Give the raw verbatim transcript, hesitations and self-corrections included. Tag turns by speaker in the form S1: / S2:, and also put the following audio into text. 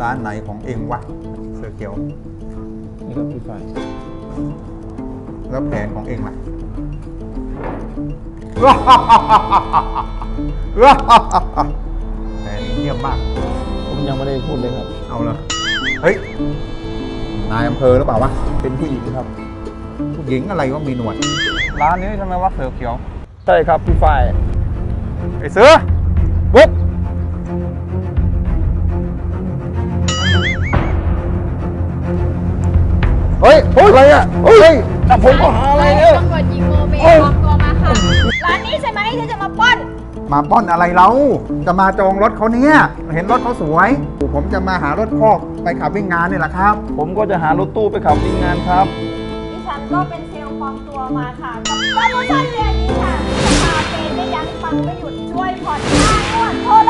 S1: ร้านไหนของเองวะเสือเขียว
S2: นี่ครับพี่ฝ่าย
S1: แล้วแผนของเองล่ะ แผนเงียบมาก
S2: ผมยังไม่ได้พูดเลยครับ
S1: เอาเลยเฮ้ย นายอำเภอหรือเปล่าวะ
S2: เป็นผู้หญิงครับ
S1: ผู้หญิงอะไรว่ามีหนวด
S3: ร้านนี้ทำไมว่าเสือเขียว
S2: ใช่ครับพี่ฝ่าย
S1: ไอ้เสือบุ๊กเฮ้ยเฮ้ยอะไรอ่ะเฮ้ยจับผมก็หาอะไรเนี่ย
S4: ตำรวจหญิงโมเมปลอมตัวมาค่ะ ร้านนี้ใช่ไหมที่จะมาปล้น
S1: มาป้อนอะไรเรา จะมาจองรถเขาเนี่ย เห็นรถเขาสวย ผมจะมาหารถคอกไปขับวิ่งงานนี่แหละครับ
S2: ผมก็จะหารถตู้ไปขับวิ่งงานครับ
S4: ดิฉันก็เป็นเซลล์ปลอมตัวมาค่ะ กับโปรโมชั่นเดือนนี้ค่ะราคาเปย์ไม่ยั้งปังไม่หยุดช่วยผ่อนค่างวดโทร